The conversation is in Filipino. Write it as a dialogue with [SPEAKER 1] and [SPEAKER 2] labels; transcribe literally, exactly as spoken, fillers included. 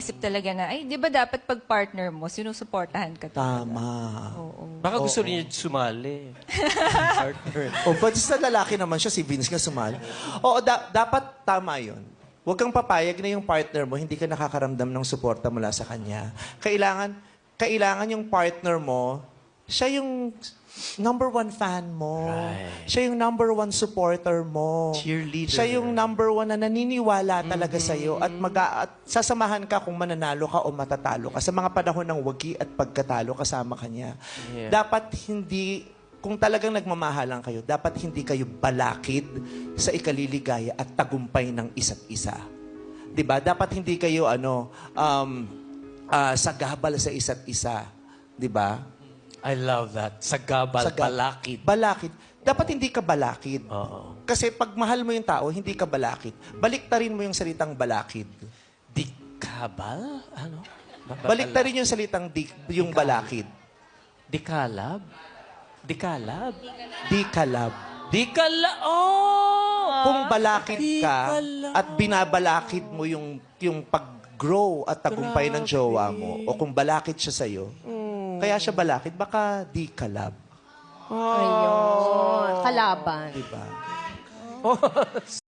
[SPEAKER 1] Isip talaga na, ay, di ba dapat pag partner mo, sinusuportahan ka talaga.
[SPEAKER 2] Tama.
[SPEAKER 1] Oo.
[SPEAKER 3] Baka gusto niya sumali. Partner.
[SPEAKER 2] O, but sa lalaki naman siya, si Vince nga sumali. Oo, da- dapat tama yun. Huwag kang papayag na yung partner mo, hindi ka nakakaramdam ng suporta mula sa kanya. Kailangan, kailangan yung partner mo, siya yung number one fan mo.
[SPEAKER 3] Right.
[SPEAKER 2] Siya yung number one supporter mo.
[SPEAKER 3] Cheerleader.
[SPEAKER 2] Siya yung number one na naniniwala talaga sa'yo at, mag at sasamahan ka kung mananalo ka o matatalo ka. Sa mga panahon ng wagi at pagkatalo, kasama ka niya.
[SPEAKER 3] Yeah.
[SPEAKER 2] Dapat hindi, kung talagang nagmamahalan kayo, dapat hindi kayo balakid sa ikaliligaya at tagumpay ng isa't isa. 'Di ba? Dapat hindi kayo ano um ah, sagabal sa isa't isa, 'di ba?
[SPEAKER 3] I love that. Sagabal,
[SPEAKER 2] Saga-
[SPEAKER 3] balakid.
[SPEAKER 2] Balakid. Dapat hindi ka balakid.
[SPEAKER 3] Oo.
[SPEAKER 2] Kasi pag mahal mo yung tao, hindi ka balakid. Baliktarin mo yung salitang balakid.
[SPEAKER 3] Dikabal? Ano?
[SPEAKER 2] Baliktarin yung salitang di, yung balakid.
[SPEAKER 3] Dikalab? Dikalab?
[SPEAKER 2] Di kalab.
[SPEAKER 3] Dikala... Oh!
[SPEAKER 2] Kung balakid ka
[SPEAKER 3] Dikalab.
[SPEAKER 2] at binabalakid mo yung yung pag-grow at tagumpay ng jowa mo o kung balakid siya sa'yo, kaya siya balakid, baka di kalab.
[SPEAKER 4] Ayun. Kalaban.
[SPEAKER 2] Diba?